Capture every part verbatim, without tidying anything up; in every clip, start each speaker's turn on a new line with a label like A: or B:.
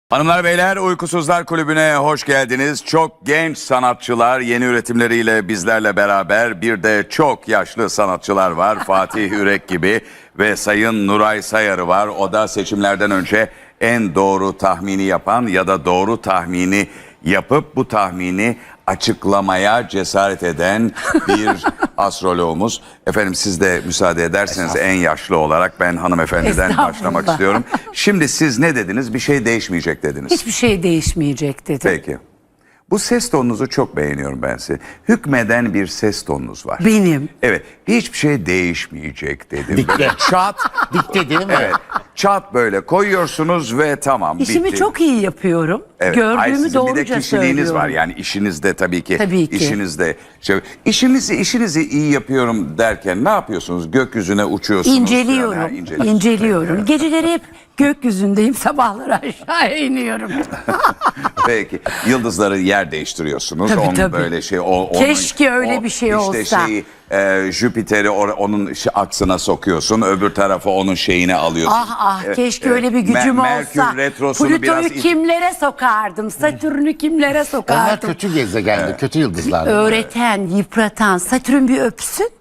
A: Hanımlar beyler, Uykusuzlar Kulübü'ne hoş geldiniz. Çok genç sanatçılar yeni üretimleriyle bizlerle beraber, bir de çok yaşlı sanatçılar var. Fatih Ürek gibi ve Sayın Nuray Sayarı var. O da seçimlerden önce en doğru tahmini yapan ya da doğru tahmini yapıp bu tahmini açıklamaya cesaret eden bir astroloğumuz. Efendim, siz de müsaade ederseniz en yaşlı olarak ben hanımefendiden başlamak istiyorum. Şimdi siz ne dediniz? Bir şey değişmeyecek dediniz.
B: Hiçbir şey değişmeyecek dedim.
A: Peki. Bu ses tonunuzu çok beğeniyorum ben size. Hükmeden bir ses tonunuz var.
B: Benim.
A: Evet. Hiçbir şey değişmeyecek dedim.
C: Dikte.
A: Böyle çat.
C: Dikte değil mi?
A: Evet. Çat böyle koyuyorsunuz ve tamam,
B: İşimi
A: bitti.
B: çok iyi yapıyorum.
A: Evet.
B: Gördüğümü
A: Hayır, sizin
B: doğruca
A: bir de kişiliğiniz
B: söylüyorum.
A: var. Yani işinizde tabii ki.
B: Tabii ki.
A: İşinizde. Şey, işimizi, işinizi iyi yapıyorum derken ne yapıyorsunuz? Gökyüzüne uçuyorsunuz.
B: İnceliyorum.
A: falan, ha, inceliyorsunuz.
B: İnceliyorum. Geceleri hep gökyüzündeyim. Sabahları aşağı iniyorum.
A: Peki. Yıldızları yer değiştiriyorsunuz.
B: Tabii,
A: onun
B: tabii.
A: böyle şey. O,
B: Keşke
A: onun,
B: öyle
A: o,
B: bir şey
A: işte
B: olsa.
A: Şeyi, e, Jüpiter'i or- onun şi- aksına sokuyorsun. Öbür tarafa onun şeyini alıyorsun.
B: Ah ah
A: Evet,
B: keşke
A: evet.
B: öyle bir gücüm
A: Mer- Merkür
B: olsa.
A: retrosunu
B: Plüto'yu
A: biraz it-
B: kimlere sokardım? Satürn'ü kimlere
C: Onlar
B: sokardım?
C: kötü gezegendi, kötü yıldızlar.
B: Öğreten, yıpratan. Satürn bir öpsün.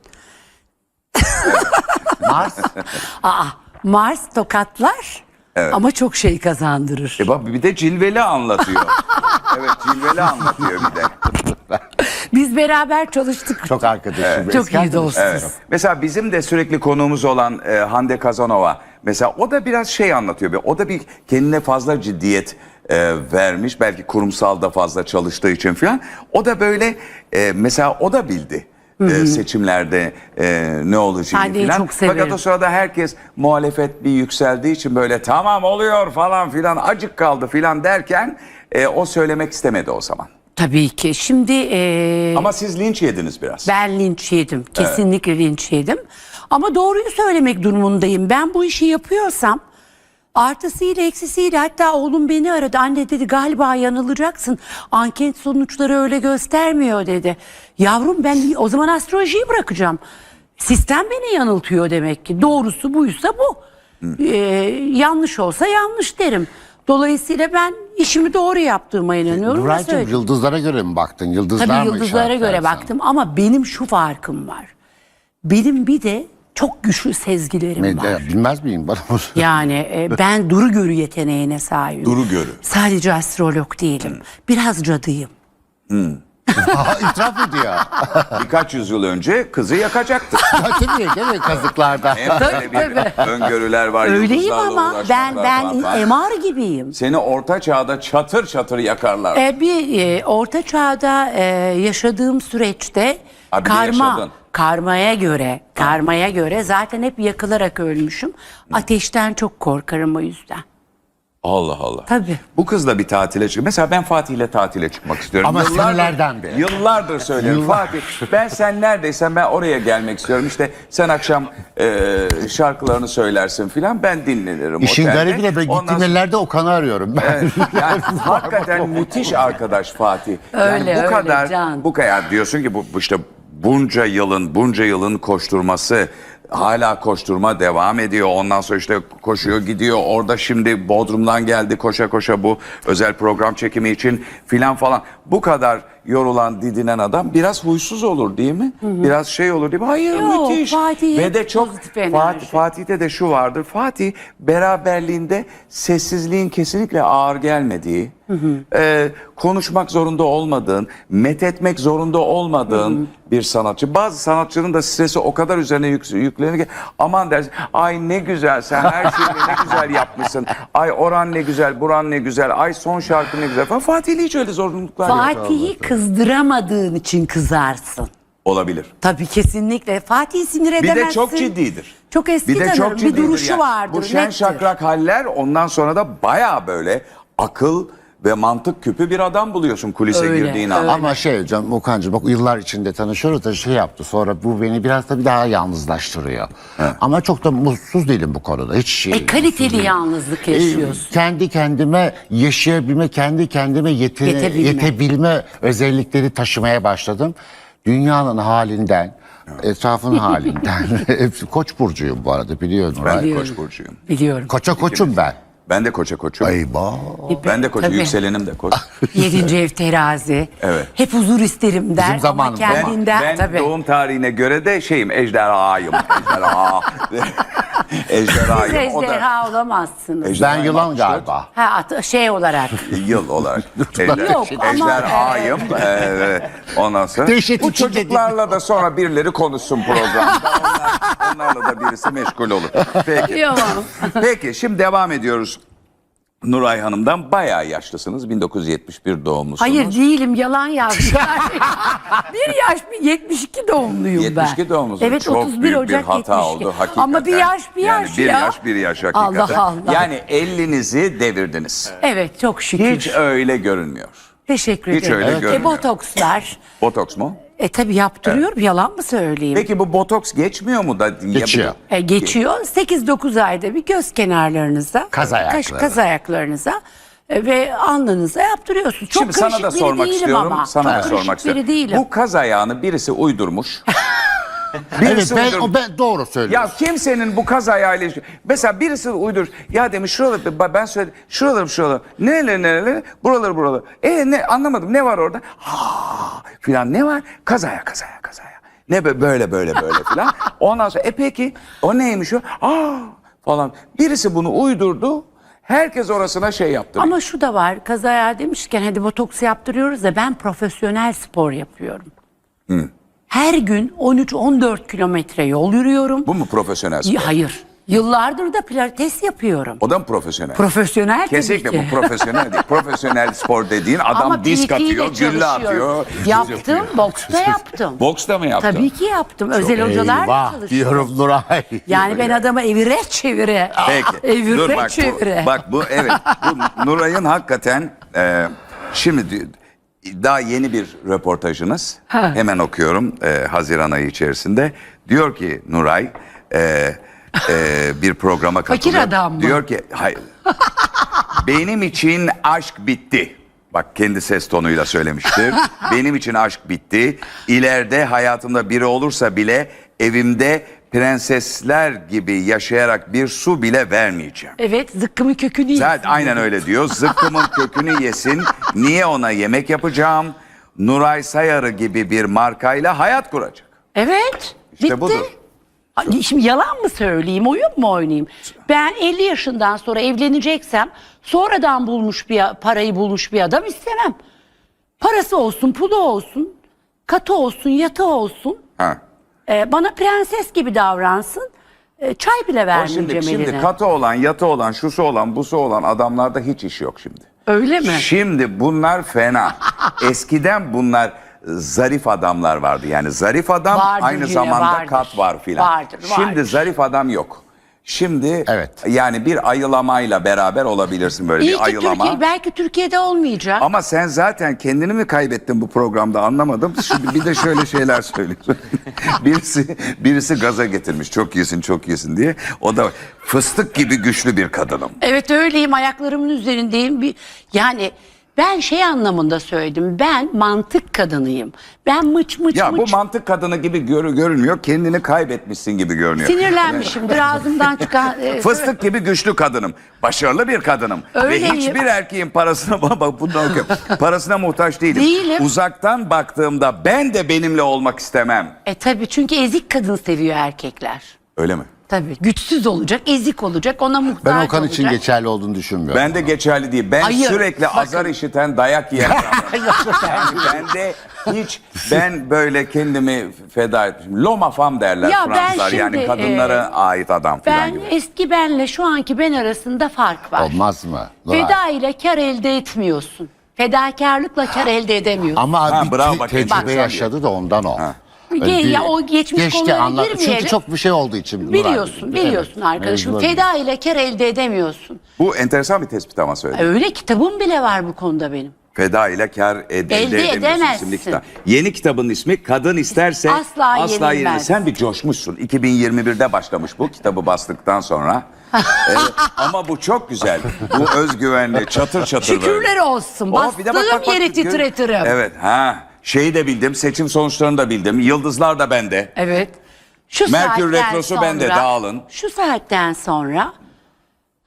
C: Mars,
B: Aa, Mars tokatlar. Ama çok şey kazandırır.
A: E bak, bir de cilveli anlatıyor. Evet, cilveli anlatıyor bir de.
B: Biz beraber çalıştık.
C: çok arkadaşım.
B: Çok iyi dostuz.
A: Evet. Mesela bizim de sürekli konuğumuz olan e, Hande Kazanova. Mesela o da biraz şey anlatıyor. O da bir kendine fazla ciddiyet e, vermiş. Belki kurumsalda fazla çalıştığı için falan. O da böyle e, mesela o da bildi. E, seçimlerde e, ne olacağını
B: Hande'yi
A: falan.
B: çok severim.
A: Fakat o sırada herkes muhalefet bir yükseldiği için böyle tamam oluyor falan filan, acık kaldı filan derken e, o söylemek istemedi o zaman.
B: Tabii ki. Şimdi e,
A: Ama siz linç yediniz biraz.
B: ben linç yedim. Kesinlikle linç yedim. Ama doğruyu söylemek durumundayım. Ben bu işi yapıyorsam artısıyla eksisiyle, hatta oğlum beni aradı. Anne dedi, galiba yanılacaksın. Anket sonuçları öyle göstermiyor dedi. Yavrum, ben o zaman astrolojiyi bırakacağım. Sistem beni yanıltıyor demek ki. Doğrusu buysa bu. Ee, yanlış olsa yanlış derim. Dolayısıyla ben işimi doğru yaptığıma inanıyorum. ve
C: Nuraycığım,
B: söylüyorum.
C: yıldızlara göre mi baktın? Yıldızlar
B: Tabii
C: mı
B: yıldızlara
C: işaretler
B: göre
C: sana?
B: baktım ama benim şu farkım var. Benim bir de çok güçlü sezgilerim
C: Ben-
B: var.
C: ya, bilmez miyim? Bana bunu-
B: Yani e, ben duru görü yeteneğine sahibim.
A: Duru görü.
B: Sadece astrolog değilim. Biraz cadıyım.
C: Aa, İtiraf ediyor.
A: Birkaç yüzyıl önce kızı yakacaktı.
C: Ya, tabii değil mi kazıklarda?
A: Hem böyle bir öngörüler var.
B: Öyleyim
A: yıldızlarla
B: ama ben
A: uğraşmaklar
B: ben
A: falan.
B: M R gibiyim.
A: Seni orta çağda çatır çatır yakarlar.
B: E, bir e, orta çağda e, yaşadığım süreçte
A: Ha, bir de
B: karma
A: yaşadın.
B: karmaya göre karmaya göre zaten hep yakılarak ölmüşüm. Ateşten çok korkarım o yüzden.
A: Allah Allah.
B: Tabii.
A: Bu kızla bir tatile çık. Mesela ben Fatih'le tatile çıkmak istiyorum.
C: Ama senelerden beri.
A: Yıllardır söylerim.
C: Yıllar.
A: Fatih, ben sen neredeysen ben oraya gelmek istiyorum. İşte sen akşam e, şarkılarını söylersin filan, ben dinlenirim
C: İşin
A: otelde.
C: garibi de ben
A: Ondan
C: gittiğim
A: sonra-
C: ellerde Okan'ı arıyorum ben.
A: Evet, yani hakikaten müthiş arkadaş Fatih.
B: Öyle,
A: yani bu
B: öyle,
A: kadar
B: can.
A: bu kadar diyorsun ki bu bu işte bunca yılın bunca yılın koşturması, hala koşturma devam ediyor. Ondan sonra işte koşuyor gidiyor. Orada şimdi Bodrum'dan geldi koşa koşa bu özel program çekimi için filan falan. Bu kadar yorulan, didinen adam biraz huysuz olur değil mi? Biraz şey olur değil mi? Hayır,
B: Yok,
A: müthiş.
B: Fatih
A: Ve
B: hep
A: de çok
B: pozitif enerji.
A: Fatih, Fatih'te de şu vardır. Fatih beraberliğinde sessizliğin kesinlikle ağır gelmediği, e, konuşmak zorunda olmadığın, methetmek zorunda olmadığın bir sanatçı. Bazı sanatçının da stresi o kadar üzerine yük, yüklenir ki aman dersin, ay ne güzel sen her şeyi ne güzel yapmışsın. Ay oran ne güzel, buran ne güzel. Ay son şarkı ne güzel falan. Fatih'le hiç öyle zorunluluklar yok.
B: Fatih'i kızdıramadığın için kızarsın.
A: Olabilir.
B: Tabii, kesinlikle. Fatih'i sinir
A: Bir
B: edemezsin.
A: de çok ciddidir.
B: Çok eski
A: Bir de
B: tanırım.
A: çok
B: Bir
A: ciddidir
B: duruşu
A: yani.
B: vardır.
A: Bu şen
B: nettir.
A: şakrak haller, ondan sonra da baya böyle akıl ve mantık küpü bir adam buluyorsun kulise
B: Öyle,
A: girdiğin an.
B: öyle.
C: Ama şey canım Okan'cığım, bak yıllar içinde tanışıyoruz da şey yaptı. Sonra bu beni biraz da bir daha yalnızlaştırıyor. Ama çok da mutsuz değilim bu konuda. Hiç şey.
B: E, kaliteli yalnızlık yaşıyorsun.
C: E, kendi kendime yaşayabilme, kendi kendime yetene,
B: Yetebilme.
C: yetebilme özellikleri taşımaya başladım. Dünyanın halinden, etrafın halinden. Hepsi Koç burcuyum bu arada, biliyorsun.
A: Ben de
B: Biliyorum.
A: Koç burcuyum.
B: Biliyorum.
C: Koça koçum ben.
A: Ben de koça koçum.
C: Eyvah.
A: Ben de koç,
B: Tabii.
A: yükselenim de koç.
B: Yedinci ev terazi.
A: Evet.
B: Hep huzur isterim der. Ama
C: zamanımızda.
A: Ben,
B: kendinden
A: ben
B: tabii.
A: doğum tarihine göre de şeyim, ejderhayım. Ejderha.
B: Siz
A: Ejderhayım. O da
B: ejderha olamazsınız.
C: Ben
A: ejderhayım
C: yılan
A: altmış dört.
C: galiba.
B: Ha, at- şey olarak.
A: Yıl olarak. Ejder,
B: Yok ama-
A: ejderhayım. Ee, ondan sonra.
C: Dehşet
A: Bu
C: içinde
A: çocuklarla da sonra birileri konuşsun programda. Onlar, onlarla da birisi meşgul olur. Peki.
B: Yok.
A: Peki şimdi devam ediyoruz. Nuray Hanım'dan bayağı yaşlısınız. bin dokuz yüz yetmiş bir doğumlusunuz.
B: Hayır değilim, yalan yazmışlar. bir yaş bir yetmiş iki doğumluyum ben.
A: yetmiş iki doğumlusunuz.
B: Evet,
A: Çok
B: otuz bir
A: büyük
B: Ocak
A: bir hata
B: yetmiş iki.
A: oldu hakikaten.
B: Ama bir yaş bir
A: yani
B: yaş
A: bir
B: ya.
A: yaş bir yaş hakikaten.
B: Allah Allah.
A: Yani ellinizi devirdiniz.
B: Evet, çok şükür.
A: Hiç öyle görünmüyor.
B: Teşekkür
A: Hiç
B: ederim.
A: öyle
B: E,
A: görünmüyor.
B: botokslar.
A: Botoks mu?
B: E tabi yaptırıyorum, yalan mı söyleyeyim?
A: Peki bu botoks geçmiyor mu da?
C: Geçiyor.
B: E, geçiyor. sekiz dokuz ayda bir göz kenarlarınıza,
C: Kaz
B: kaş,
C: ayakları.
B: kaz ayaklarınıza e, ve alnınıza yaptırıyorsunuz. Çok
A: Şimdi sana
B: karışık
A: da
B: biri
A: sormak
B: değilim
A: istiyorum.
B: ama.
A: Sana
B: Çok
A: da
B: karışık
A: sormak
B: biri
A: istiyorum.
B: değilim.
A: Bu kaz ayağını birisi uydurmuş.
C: Evet ben,
A: uydurmuş.
C: o ben doğru söylüyorum.
A: Ya kimsenin bu kaz ayağıyla ilgili. Mesela birisi uydur. Ya demiş şuraları ben söyledim. Şuralarım şuralarım. Nereleri nereleri? Buraları buraları. E ne anlamadım. Ne var orada? Ha filan ne var? Kaz ayağı kaz ayağı kaz ayağı. Ne be- böyle böyle böyle filan. Ondan sonra e peki o neymiş o? Aa falan. Birisi bunu uydurdu. Herkes orasına şey yaptı.
B: Ama şu da var, kaz ayağı demişken hadi botoks yaptırıyoruz da ben profesyonel spor yapıyorum. Her gün on üç on dört kilometre yol yürüyorum.
A: Bu mu profesyonel spor?
B: Y- Hayır. Yıllardır da pilates yapıyorum.
A: O da mı profesyonel?
B: Profesyonel tabii
A: Kesinlikle
B: ki.
A: bu profesyonel değil. Profesyonel spor dediğin adam
B: Ama
A: disk
B: P T ile
A: atıyor, gülle
B: çalışıyorum.
A: atıyor.
B: Yaptım, boksta yaptım.
A: Boksta mı yaptın?
B: Tabii ki yaptım. Özel hocalarla
C: Eyvah
B: çalıştım.
C: diyorum Nuray.
B: Yani ben adamı evire çevire.
A: Peki.
B: Evire
A: Dur bak
B: çevire.
A: bu, bak bu evet. Bu Nuray'ın hakikaten e, şimdi di- daha yeni bir röportajınız.
B: Ha.
A: Hemen okuyorum e, Haziran ayı içerisinde. Diyor ki Nuray e, e, bir programa
B: Fakir
A: katılıyor.
B: adam mı?
A: Diyor ki hayır. Benim için aşk bitti. Bak kendi ses tonuyla söylemiştir. Benim için aşk bitti. İleride hayatımda biri olursa bile evimde prensesler gibi yaşayarak bir su bile vermeyeceğim.
B: Evet, zıkkımın kökünü yesin.
A: Zaten aynen öyle diyor. Zıkkımın kökünü yesin. Niye ona yemek yapacağım? Nuray Sayarı gibi bir markayla hayat kuracak.
B: Evet,
A: İşte
B: bitti.
A: budur.
B: Ay, Şimdi yalan mı söyleyeyim, oyun mu oynayayım? Ben elli yaşından sonra evleneceksem sonradan bulmuş bir parayı bulmuş bir adam istemem. Parası olsun, pulu olsun, katı olsun, yatı olsun.
A: Ha.
B: Ee, bana prenses gibi davransın. Ee, çay bile
A: O
B: vermeyeceğim
A: şimdi, şimdi
B: eline.
A: katı olan, yatı olan, şusu olan, busu olan adamlarda hiç iş yok şimdi.
B: Öyle mi?
A: Şimdi bunlar fena. Eskiden bunlar zarif adamlar vardı. Yani zarif adam
B: Vardır
A: aynı
B: yine,
A: zamanda
B: vardır.
A: kat var filan.
B: Vardır,
A: Şimdi
B: vardır.
A: zarif adam yok. Şimdi
C: Evet.
A: yani bir ayılamayla beraber olabilirsin böyle
B: İyi
A: bir
B: ki
A: ayılama.
B: Türkiye, belki Türkiye'de olmayacak.
A: Ama sen zaten kendini mi kaybettin bu programda anlamadım. Şimdi bir de şöyle şeyler söylüyorsun. birisi birisi gaza getirmiş çok iyisin çok iyisin diye. O da fıstık gibi güçlü bir kadınım.
B: Evet öyleyim, ayaklarımın üzerindeyim. Bir, yani ben şey anlamında söyledim. Ben mantık kadınıyım. Ben mıç mıç
A: Ya bu
B: mıç.
A: mantık kadını gibi gör, görünmüyor. Kendini kaybetmişsin gibi görünüyor.
B: Sinirlenmişimdir ağzımdan çıkan. e,
A: Fıstık gibi güçlü kadınım. Başarılı bir kadınım.
B: Öyleyim.
A: Ve hiçbir erkeğin parasına bak bundan okuyorum. Parasına muhtaç değilim.
B: Değilim.
A: Uzaktan baktığımda ben de benimle olmak istemem.
B: E tabii, çünkü ezik kadın seviyor erkekler.
A: Öyle mi?
B: Tabii, güçsüz olacak, ezik olacak, ona muhtaç
C: Ben
B: olacak.
C: Okan için geçerli olduğunu düşünmüyorum.
A: Ben de geçerli değil. Ben
B: Hayır,
A: sürekli
B: sakın.
A: azar işiten, dayak yiyen adamım. yani ben de hiç, ben böyle kendimi feda etmişim. Loma fam derler
B: Ya ben
A: Fransızlar. Yani
B: şimdi,
A: kadınlara
B: e,
A: ait adam falan
B: Ben
A: gibi.
B: eski benle şu anki ben arasında fark var.
C: Olmaz mı? Nuray?
B: Feda ile kar elde etmiyorsun. Fedakarlıkla kar elde edemiyorsun.
C: Ama
A: Ha,
C: bir
A: bravo,
C: te-
A: bak,
C: tecrübe
A: bak.
C: yaşadı da ondan o. Öyle
B: Ge-
C: bir-
B: ya o geçmiş
C: geçti
B: konulara
C: anla-
B: girmeyelim.
C: Çünkü çok bir şey olduğu için. Nuray.
B: Biliyorsun, biliyorsun
C: Evet,
B: arkadaşım.
C: mecbur.
B: Feda ile kar elde edemiyorsun.
A: Bu enteresan bir tespit ama söyledim.
B: Öyle kitabım bile var bu konuda benim.
A: Feda ile kar ed- elde,
B: Elde
A: edemiyorsun
B: edemezsin.
A: isimli kitap. Yeni kitabın ismi Kadın İsterse
B: Asla Yenilmez.
A: Yenilmez. Sen bir coşmuşsun. iki bin yirmi birde başlamış bu kitabı bastıktan sonra. Evet, ama bu çok güzel. Bu özgüvenli, çatır çatır böyle.
B: Şükürler olsun.
A: Oh, bir de
B: Bastığım
A: bak, bak, bak,
B: yeri
A: gör-
B: titretirim.
A: Evet, ha. Şeyi de bildim, seçim sonuçlarını da bildim. Yıldızlar da bende.
B: Evet. Şu
A: Merkür
B: saatten
A: Retrosu
B: sonra,
A: bende, dağılın.
B: Şu saatten sonra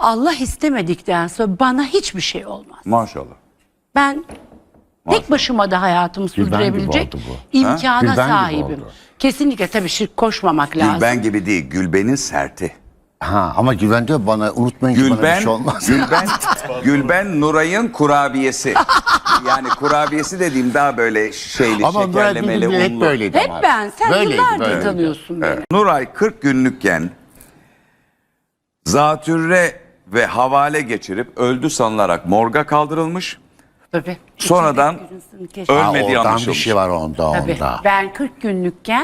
B: Allah istemedikten sonra bana hiçbir şey olmaz.
A: Maşallah.
B: Ben tek başıma da hayatımı
C: Gülben gibi
B: sürdürebilecek
C: oldu bu.
B: imkana
C: Gülben gibi
B: sahibim.
C: oldu.
B: Kesinlikle tabii şirk koşmamak lazım.
A: Gülben gibi değil, Gülben'in serti.
C: Ha, ama Gülben diyor bana unutmayın ki bana bir
A: Gülben,
C: şey olmaz.
A: Gülben, Gülben Nuray'ın kurabiyesi. Yani kurabiyesi dediğim daha böyle şeyli,
C: Ama ben
A: şekerlemeli,
C: bildiğim hep
A: unlu.
C: böyleydi
B: Hep
C: ama.
B: ben. Sen
C: Böyleydi,
B: yıllardır
C: böyleydi.
B: tanıyorsun beni.
A: Nuray kırk günlükken zatürre ve havale geçirip öldü sanılarak morga kaldırılmış.
B: Tabii.
A: Sonradan
B: Keşke.
A: öl-
C: Ha,
A: Ölmediği
C: oradan bir
A: anlaşılmış.
C: şey var onda
B: Tabii.
C: onda.
B: Ben kırk günlükken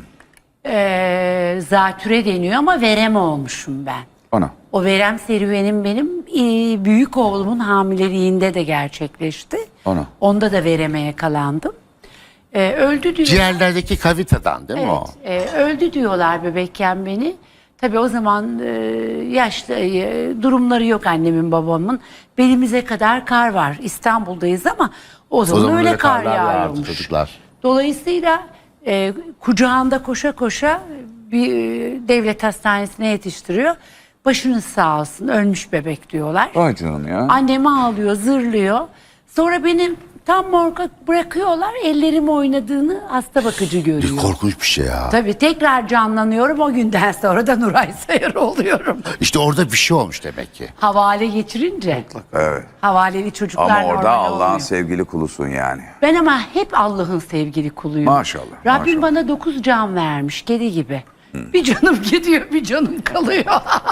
B: eee zatüre deniyor ama verem olmuşum ben.
A: Ana.
B: O verem serüvenim benim e, büyük oğlumun hamileliğinde de gerçekleşti.
A: Ana.
B: Onda da vereme yakalandım. E, öldü diyor.
C: Ciğerlerdeki kavitadan değil mi o?
B: Evet, e, öldü diyorlar bebekken beni. Tabii o zaman e, yaşlı e, durumları yok annemin babamın. Belimize kadar kar var. İstanbul'dayız ama o zaman,
C: zaman
B: öyle
C: öyle
B: kar
C: karlar yağardı
B: yağıyormuş.
C: çocuklar.
B: Dolayısıyla e, kucağında koşa koşa bir e, devlet hastanesine yetiştiriyor. Başınız sağ olsun, ölmüş bebek diyorlar.
A: Vay canım ya.
B: Annem ağlıyor, zırlıyor. Sonra benim tam morga bırakıyorlar. Ellerim oynadığını hasta bakıcı görüyor.
C: Korkunç bir şey ya.
B: Tabii tekrar canlanıyorum. O günden sonra da Nuray Sayar oluyorum.
C: İşte orada bir şey olmuş demek ki.
B: Havale geçirince.
A: Evet.
B: Havaleli çocuklar
A: Ama orada
B: normal
A: Allah'ın
B: olmuyor.
A: sevgili kulusun yani.
B: Ben ama hep Allah'ın sevgili kuluyum.
A: Maşallah,
B: Rabbim
A: maşallah.
B: bana dokuz can vermiş, kedi gibi. Bir canım gidiyor, bir canım kalıyor.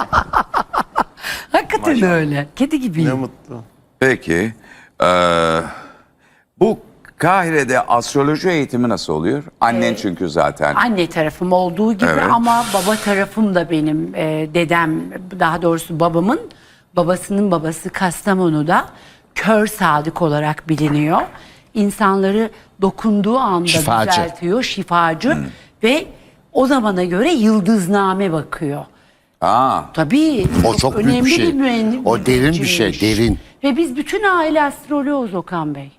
B: Hakikaten öyle. Kedi gibiyim.
D: Ne mutlu.
A: Peki. eee, bu Kahire'de astroloji eğitimi nasıl oluyor? Annen çünkü zaten.
B: Anne tarafım olduğu gibi
A: Evet.
B: ama baba tarafım da benim e, dedem, daha doğrusu babamın babasının babası Kastamonu'da kör sadık olarak biliniyor. İnsanları dokunduğu anda
C: Şifacı.
B: düzeltiyor, şifacı ve o zamana göre yıldızname bakıyor.
A: Aa,
B: Tabii.
C: O çok büyük bir
B: önemli
C: şey.
B: mühendis-
C: O derin bir şey,
B: mühendisiymiş.
C: derin.
B: Ve biz bütün aile astroloğuz Okan Bey.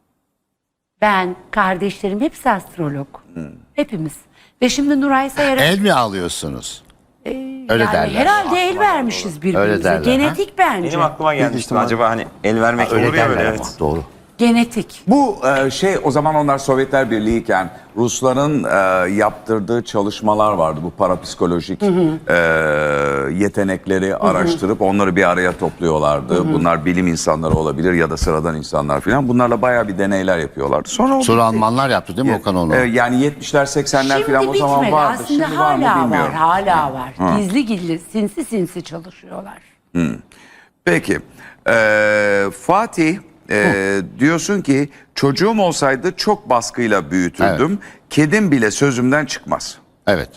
B: Ben, kardeşlerim hepsi astrolog. Hepimiz. Ve şimdi Nuray Sayar'a
C: El mi alıyorsunuz? Öyle
B: yani
C: derler.
B: herhalde el vermişiz
C: Öyle
B: birbirimize.
C: derler,
B: Genetik bence.
D: Benim aklıma gelmişti acaba hani el vermek
C: Öyle
D: olur ya
C: derler
D: böyle
C: ama,
D: evet.
C: doğru.
B: Genetik.
A: bu e, şey o zaman onlar Sovyetler Birliği'yken Rusların e, yaptırdığı çalışmalar vardı. Bu parapsikolojik e, yetenekleri araştırıp onları bir araya topluyorlardı. Bunlar bilim insanları olabilir ya da sıradan insanlar falan. Bunlarla bayağı bir deneyler yapıyorlardı. Sonra o
C: Sonra
A: bitti.
C: Almanlar yaptı değil mi Okan onu?
A: E, yani yetmişler seksenler
B: Şimdi
A: falan o zaman
B: bitmedi.
A: vardı.
B: Aslında
A: Şimdi var mı
B: hala var,
A: bilmiyorum.
B: hala var. Gizli gizli, sinsi sinsi çalışıyorlar.
A: Peki. Ee, Fatih e, diyorsun ki çocuğum olsaydı çok baskıyla büyütürdüm. Kedim bile sözümden çıkmaz.
C: Evet.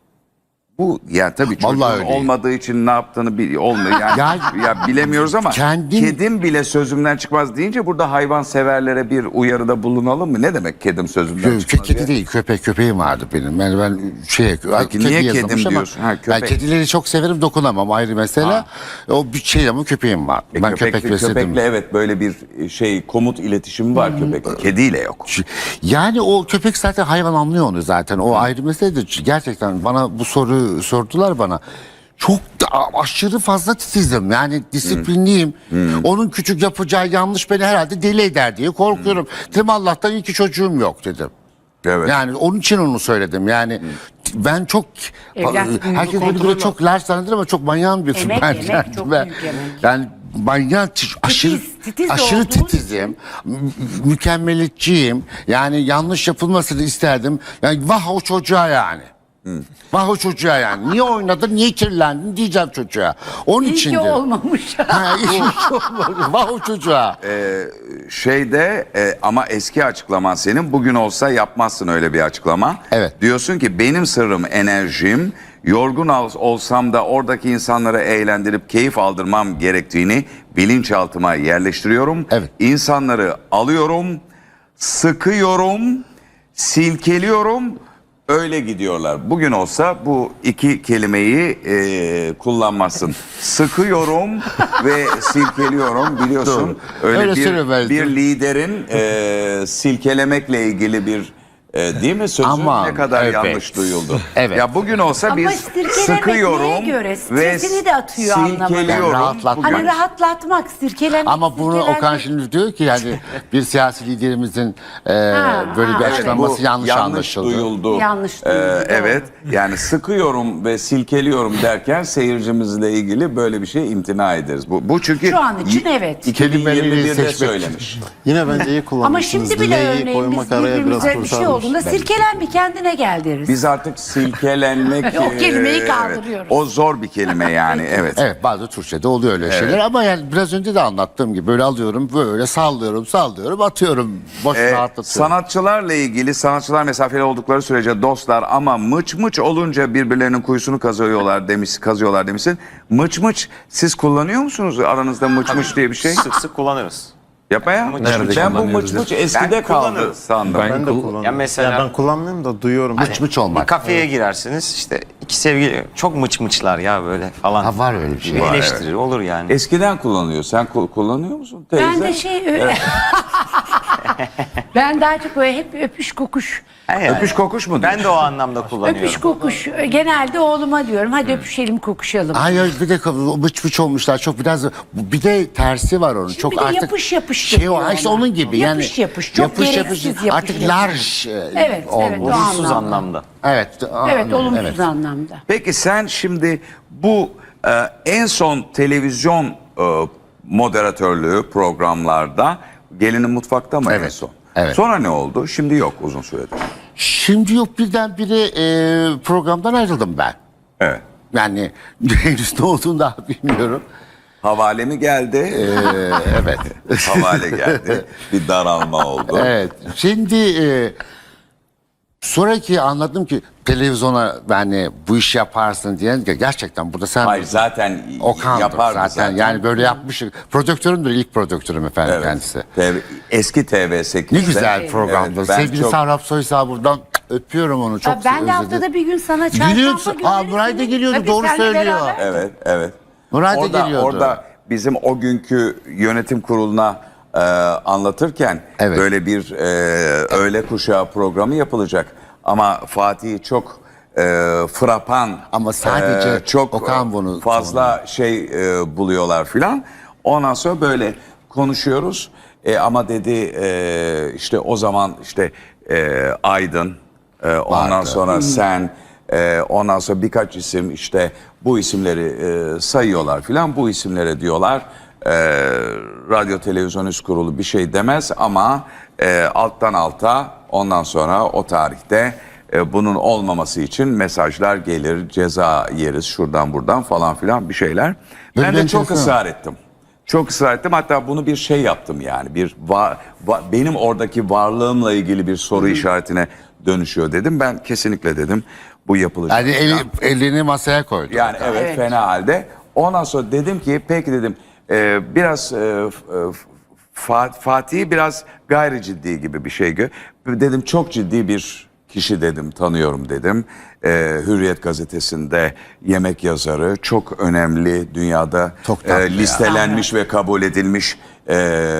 A: Bu ya tabii çocuğun
C: Vallahi öyle.
A: olmadığı için ne yaptığını bil, olmuyor. Yani,
C: Ya-
A: ya bilemiyoruz ama
C: Kendin-
A: kedim bile sözümden çıkmaz deyince burada hayvan severlere bir uyarıda bulunalım mı? Ne demek kedim sözümden
C: Kö-
A: çıkmaz?
C: kedi
A: ya?
C: değil, köpek köpeğim vardı benim. Yani ben şey
A: Peki niye
C: yazılmış
A: kedim
C: ama
A: diyorsun? Ha, köpek.
C: Ben kedileri çok severim, dokunamam ayrı mesele. O bir şey ama köpeğim var.
A: E,
C: ben
A: köpekle-
C: köpek besledim.
A: Köpekle evet böyle bir şey komut iletişimi var köpekle. Kediyle yok.
C: Yani o köpek zaten hayvan anlıyor onu zaten. O ayrı mesele de gerçekten bana bu soru sordular bana. Çok da aşırı fazla titizim. Yani disiplinliyim. Onun küçük yapacağı yanlış beni herhalde deli eder diye korkuyorum. Dedim Allah'tan iyi ki çocuğum yok dedim.
A: Evet.
C: Yani onun için onu söyledim. Yani ben çok
B: Evlat büyüğünü
C: herkes beni böyle
B: kontrolü.
C: çok large zanneder ama çok manyağım bir
B: Emek,
C: ben,
B: emek,
C: yani
B: çok
C: ben-
B: büyük emek.
C: Yani manyak aşırı
B: titiz
C: aşırı
B: olduğun
C: titizim. mü- Mükemmeliyetçiyim. Yani yanlış yapılmasını isterdim. Yani vah o çocuğa yani. Vah o çocuğa yani. Niye oynadın, niye kirlendin diyeceğim çocuğa. Onun
B: İyi
C: için
B: ki olmamış.
C: Ha, iyi ki olmadı. Vah o çocuğa.
A: Şeyde e, ama eski açıklaman senin bugün olsa yapmazsın öyle bir açıklama.
C: Evet.
A: Diyorsun ki benim sırrım enerjim, yorgun ol- olsam da oradaki insanları eğlendirip keyif aldırmam gerektiğini bilinçaltıma yerleştiriyorum.
C: Evet.
A: İnsanları alıyorum, sıkıyorum, silkeliyorum. Öyle gidiyorlar. Bugün olsa bu iki kelimeyi e, kullanmazsın. Sıkıyorum ve silkeliyorum biliyorsun.
C: Doğru.
A: Öyle
C: Öyle
A: bir,
C: söylemezdim.
A: bir liderin e, silkelemekle ilgili bir E, değil mi? Sözü
C: Aman,
A: ne kadar
C: evet.
A: yanlış duyuldu.
C: Evet.
A: Ya bugün olsa
B: Ama
A: biz
B: sirkelemek
A: sıkıyorum
B: neye göre?
A: ve
B: Stresini de atıyor anlamında.
A: silkeliyorum.
C: Rahatlatmak.
A: Bugün-
B: Hani rahatlatmak, sirkelenmek.
C: Ama bunu
B: sirkelenmek.
C: Okan şimdi diyor ki yani bir siyasi liderimizin e, böyle bir
B: ha,
C: açıklaması
A: Bu
C: yanlış, anlaşıldı.
A: duyuldu.
B: Yanlış
A: Ee,
B: duyuldu, doğru.
A: evet. Yani sıkıyorum ve silkeliyorum derken seyircimizle ilgili böyle bir şey imtina ederiz. Bu, bu çünkü
B: Şu an için evet.
A: iki bin yirmi
C: Kelimeleri
A: birde
C: seçmek.
A: söylemiş.
E: Yine bence iyi
B: Ama
E: kullanmışsınız.
B: şimdi bile
E: Dileği
B: örneğin biz
E: koymak araya biraz
B: birbirimize bir şey
E: kurtarmış.
B: olduğunda sirkelen bir kendine gel deriz.
A: Biz artık silkelenmek...
B: O kelimeyi
A: e,
B: kaldırıyoruz.
A: evet. O zor bir kelime yani. Evet.
C: Evet, bazı Türkçe'de oluyor öyle şeyler ama yani biraz önce de anlattığım gibi böyle alıyorum, böyle sallıyorum, sallıyorum, atıyorum, boş
A: Ee,
C: rahatlatıyorum.
A: sanatçılarla ilgili, sanatçılar mesafeli oldukları sürece dostlar ama mıç mıç olunca birbirlerinin kuyusunu kazıyorlar demiş, kazıyorlar demişsin. Mıç mıç siz kullanıyor musunuz aranızda mıç mıç diye bir şey?
D: Sık sık kullanıyoruz.
A: Yapma ya.
D: Nerede
A: Ben bu mıç
E: kullanıyoruz
A: mıç eskide kaldı
D: kullanırım.
A: sandım.
E: Ben de kullanıyorum.
D: Ya mesela-
E: Ya ben kullanmıyorum da duyuyorum.
C: Mıç mıç olmak.
D: Bir kafeye girersiniz işte iki sevgili çok mıç mıçlar ya böyle falan.
C: Ha, var öyle bir şey.
D: Bir
C: Var,
D: eleştirir olur yani.
A: Eskiden kullanıyor. Sen kul- kullanıyor musun teyze?
B: Ben de şey öyle. Ben daha çok böyle hep öpüş kokuş.
D: He yani.
A: Öpüş kokuş mu
D: Ben
A: diyorsun?
D: de o anlamda kullanıyorum.
B: Öpüş kokuş. Genelde oğluma diyorum hadi öpüşelim kokuşalım.
C: Hayır bir de mıç mıç olmuşlar çok biraz bir de tersi var onun çok
B: bir de
C: artık
B: yapış yapış
C: şey o
B: deniyor
C: işte
B: ona.
C: onun gibi yani
B: Yapış yapış, çok gereksiz yapış
C: artık
B: yapış.
C: large e,
B: Evet, evet,
C: olmuş.
B: o
D: Olumsuz
B: anlamda.
D: anlamda.
C: Evet,
B: Evet
C: a-
B: olumsuz
C: evet.
B: anlamda.
A: Peki sen şimdi bu e, en son televizyon e, moderatörlüğü programlarda Gelinin Mutfakta mı en
C: Evet,
A: son?
C: evet.
A: Sonra ne oldu? Şimdi yok uzun süredir.
C: Şimdi yok birdenbire e, programdan ayrıldım ben.
A: Evet.
C: Yani henüz ne olduğunu daha bilmiyorum.
A: Havale mi geldi?
C: Ee, evet.
A: Havale geldi. Bir daralma oldu.
C: Evet. Şimdi e, sonraki anladım ki televizyona yani bu iş yaparsın diyen ki gerçekten burada sen
A: Hayır zaten
C: Okan'dır
A: yapardı
C: zaten.
A: zaten.
C: Yani böyle yapmışım. Prodüktörümdür ilk prodüktörüm efendim
A: Evet.
C: kendisi.
A: T V eski T V sekizde.
C: Ne güzel programdı.
A: Evet, ben
C: Sevgili
A: çok-
C: Sarap Soysal buradan öpüyorum onu. Çok
B: Ya ben de
C: özledim.
B: haftada bir gün sana çarşamba
C: Geliyorsun.
B: günleri
C: Aa, Nuray da
B: seni-
C: geliyordu,
B: Tabii
C: doğru
B: seninle
C: söylüyor.
B: beraber.
A: Evet, evet.
C: Nuray da
A: orada,
C: geliyordu.
A: Orada bizim o günkü yönetim kuruluna e, anlatırken
C: Evet.
A: böyle bir e, öğle kuşağı programı yapılacak. Ama Fatih çok e, frapan,
C: Ama sadece
A: e, çok
C: Okan bunu-
A: fazla şey e, buluyorlar filan. Ondan sonra böyle konuşuyoruz. E, ama dedi e, işte o zaman işte e, Aydın, e, ondan
C: Vardı.
A: sonra sen, e, ondan sonra birkaç isim işte bu isimleri e, sayıyorlar filan. Bu isimlere diyorlar e, Radyo Televizyon Üst Kurulu bir şey demez ama e, alttan alta ondan sonra o tarihte e, bunun olmaması için mesajlar gelir, ceza yeriz şuradan buradan falan filan bir şeyler.
C: Böyle
A: Ben
C: bir
A: de çok
C: enteresan.
A: ısrar ettim. Çok ısrar ettim. Hatta bunu bir şey yaptım yani. Bir va- va- benim oradaki varlığımla ilgili bir soru işaretine dönüşüyor dedim. Ben kesinlikle dedim bu yapılacak.
C: Yani eli, elini masaya koydu.
A: Yani evet,
B: Evet.
A: fena halde. Ondan sonra dedim ki peki dedim e, biraz e, f- e, Fa- Fatih'i biraz gayri ciddi gibi bir şey gö. Dedim çok ciddi bir kişi dedim tanıyorum dedim. E, Hürriyet gazetesinde yemek yazarı çok önemli dünyada
C: Çok
A: e,
C: tatlı ya.
A: listelenmiş ve kabul edilmiş e,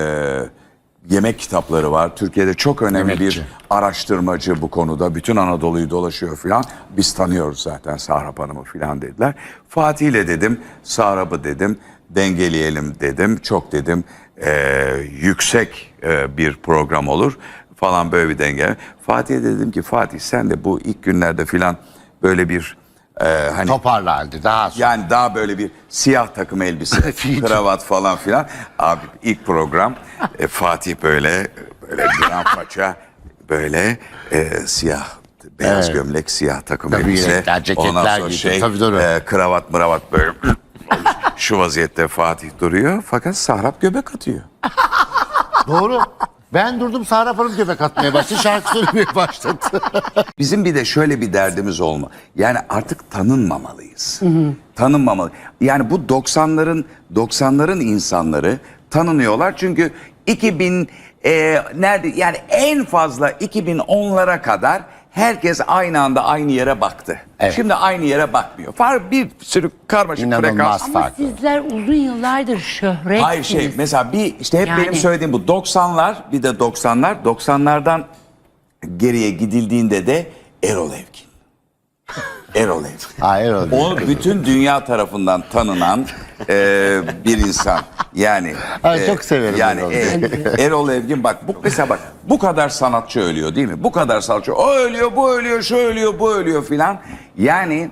A: yemek kitapları var. Türkiye'de çok önemli
C: Yemekçi.
A: bir araştırmacı bu konuda. Bütün Anadolu'yu dolaşıyor filan. Biz tanıyoruz zaten Sahrap Hanım'ı filan dediler. Fatih ile dedim, Sahrap'ı dedim, dengeleyelim dedim. Çok dedim e, yüksek e, bir program olur falan böyle bir denge. Fatih'e dedim ki Fatih sen de bu ilk günlerde filan böyle bir e, hani
C: Toparla halde daha sonra.
A: yani daha böyle bir siyah takım elbise, kravat falan filan. Abi ilk program e, Fatih böyle böyle gran paça böyle e, siyah beyaz
C: Evet.
A: gömlek, siyah takım
C: Tabii
A: elbise.
C: yelekler, ceketler
A: Ondan sonra
C: giydi.
A: şey
C: Tabii doğru.
A: e, kravat mıravat böyle şu vaziyette Fatih duruyor fakat Sahrap göbek atıyor.
C: Doğru. Ben durdum Sarap Hanım göbek atmaya başladı. Şarkı söylemeye başladı.
A: Bizim bir de şöyle bir derdimiz olma. Yani artık tanınmamalıyız. Tanınmamalı. Yani bu doksanların doksanların insanları tanınıyorlar çünkü iki bin e, nerede yani en fazla iki bin onlara kadar herkes aynı anda aynı yere baktı.
C: Evet.
A: Şimdi aynı yere bakmıyor. Far bir sürü karmaşık
C: İnanılmaz
A: frekans.
C: fark.
B: Ama
C: farklı.
B: sizler uzun yıllardır şöhretsiniz.
A: Hayır şey mesela bir işte hep
B: Yani-
A: benim söylediğim bu doksanlar bir de doksanlar doksanlardan geriye gidildiğinde de Erol Evgin. Erol Evgin.
C: Ha, Erol.
A: O bütün dünya tarafından tanınan e, bir insan. Yani
C: Ay, çok severim
A: Yani
C: Erol
A: e, Erol Evgin bak bu mesela bak bu kadar sanatçı ölüyor değil mi? Bu kadar sanatçı. O ölüyor, bu ölüyor, şu ölüyor, bu ölüyor filan. Yani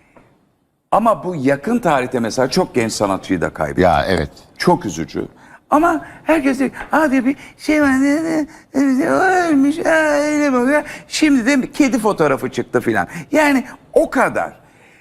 A: ama bu yakın tarihte mesela çok genç sanatçıyı da kaybetti.
C: Ya evet.
A: Çok üzücü. Ama herkes diyor, hadi bir şey var, ne- ne- ne- ölmüş, ha, öyle böyle. Şimdi de kedi fotoğrafı çıktı filan. Yani o kadar.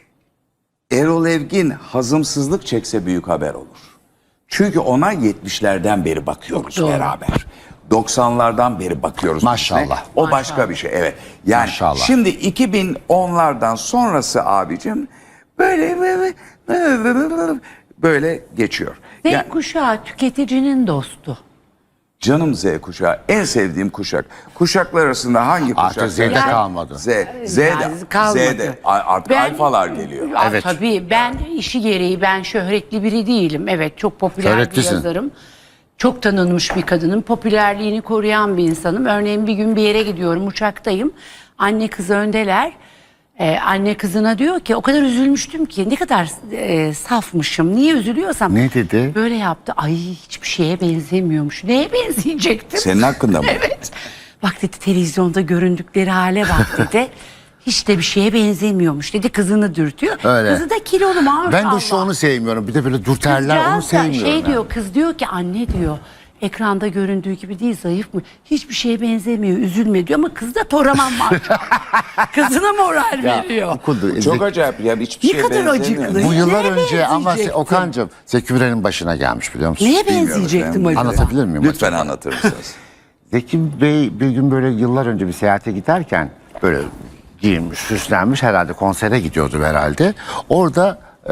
A: Erol Evgin hazımsızlık çekse büyük haber olur. Çünkü ona yetmişlerden beri bakıyoruz
B: Doğru.
A: beraber. doksanlardan beri bakıyoruz.
C: Maşallah.
A: üstüne. O başka bir şey, evet. Yani
C: Maşallah.
A: şimdi iki bin onlardan sonrası abicim böyle böyle, böyle, böyle geçiyor.
B: Z
A: Yani-
B: kuşağı tüketicinin dostu.
A: Canım Z kuşağı. En sevdiğim kuşak. Kuşaklar arasında hangi kuşak?
C: Artık Z'de
B: Yani-
C: kalmadı.
A: Z. Z'de.
B: Yani kalmadı.
A: Z'de. Artık
B: Ben-
A: alfalar geliyor.
B: Aa,
C: Evet.
B: Tabii ben işi gereği ben şöhretli biri değilim. Evet çok popüler bir
C: Şöhretlisin.
B: yazarım. Çok tanınmış bir kadınım. Popülerliğini koruyan bir insanım. Örneğin bir gün bir yere gidiyorum uçaktayım. Anne kız öndeler. Ee, anne kızına diyor ki o kadar üzülmüştüm ki ne kadar e, safmışım. Niye üzülüyorsam.
C: Ne dedi?
B: Böyle yaptı. Ay hiçbir şeye benzemiyormuş. Neye benzeyecektim?
A: Senin hakkında mı?
B: Evet. Bak dedi televizyonda göründükleri hale bak dedi. Hiç de bir şeye benzemiyormuş dedi. Kızını dürtüyor.
C: Öyle.
B: Kızı da kilolu maşallah.
C: Ben de şu onu sevmiyorum. Bir de böyle dürterler onu
B: Kızcağız da
C: sevmiyorum.
B: Şey
C: yani.
B: diyor kız diyor ki anne diyor. Ekranda göründüğü gibi değil zayıf mı? Hiçbir şeye benzemiyor üzülme diyor ama kız da toraman maşallah. Kızına moral
C: Ya,
B: veriyor.
C: okudu.
A: Çok
C: Zeki-
A: acayip ya. Hiçbir
B: Ne
A: şeye
B: kadar
A: benzemiyor.
B: acıklı.
C: Bu yıllar
B: Neye
C: önce ama
B: benzeyecektim?
C: Okan'cığım Zeki Müren'in başına gelmiş biliyor musun?
B: Neye
A: Bilmiyorum
B: benzeyecektim
A: efendim.
B: acaba?
C: Anlatabilir miyim?
A: Lütfen
C: acaba?
A: anlatır mısınız?
C: Zeki Bey bir gün böyle yıllar önce bir seyahate giderken böyle giyinmiş, süslenmiş herhalde konsere gidiyordu herhalde. Orada e,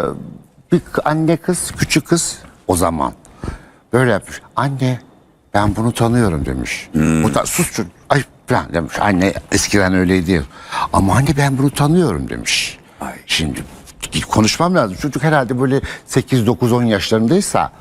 C: bir anne kız, küçük kız o zaman böyle yapmış. Anne ben bunu tanıyorum demiş. O da sus çocuk. Ay falan demiş. Anne eskiden öyleydi. Ama anne ben bunu tanıyorum demiş.
A: Ay.
C: Şimdi konuşmam lazım. Çocuk herhalde böyle sekiz dokuz on yaşlarındaysa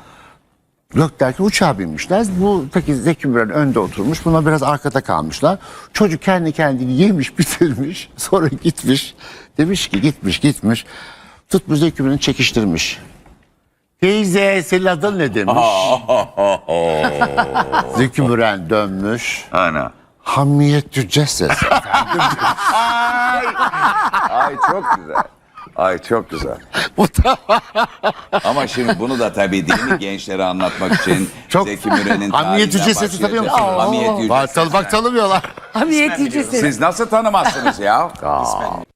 C: yok derken uçağa binmişler. Bu peki Zeki Müren önde oturmuş. Buna biraz arkada kalmışlar. Çocuk kendi kendini yemiş bitirmiş. Sonra gitmiş. Demiş ki gitmiş gitmiş. Tutmuş Zeki Müren'i çekiştirmiş. Teyze senin adın ne demiş. Zeki Müren dönmüş.
A: Ana.
C: Hamiyet Cücces.
A: Ay çok güzel. Ay çok güzel. Ama şimdi bunu da tabii değil mi gençlere anlatmak için
C: Çok-
A: Zeki Müren'in
C: Hamiyet
A: tarihinden
C: Yüceses'i tanıyor musun?
A: başlayacağız. Hamiyet
C: Bak,
A: Yücesesi.
C: bak tanımıyorlar.
B: Hamiyet yücesi.
A: Siz nasıl tanımazsınız ya?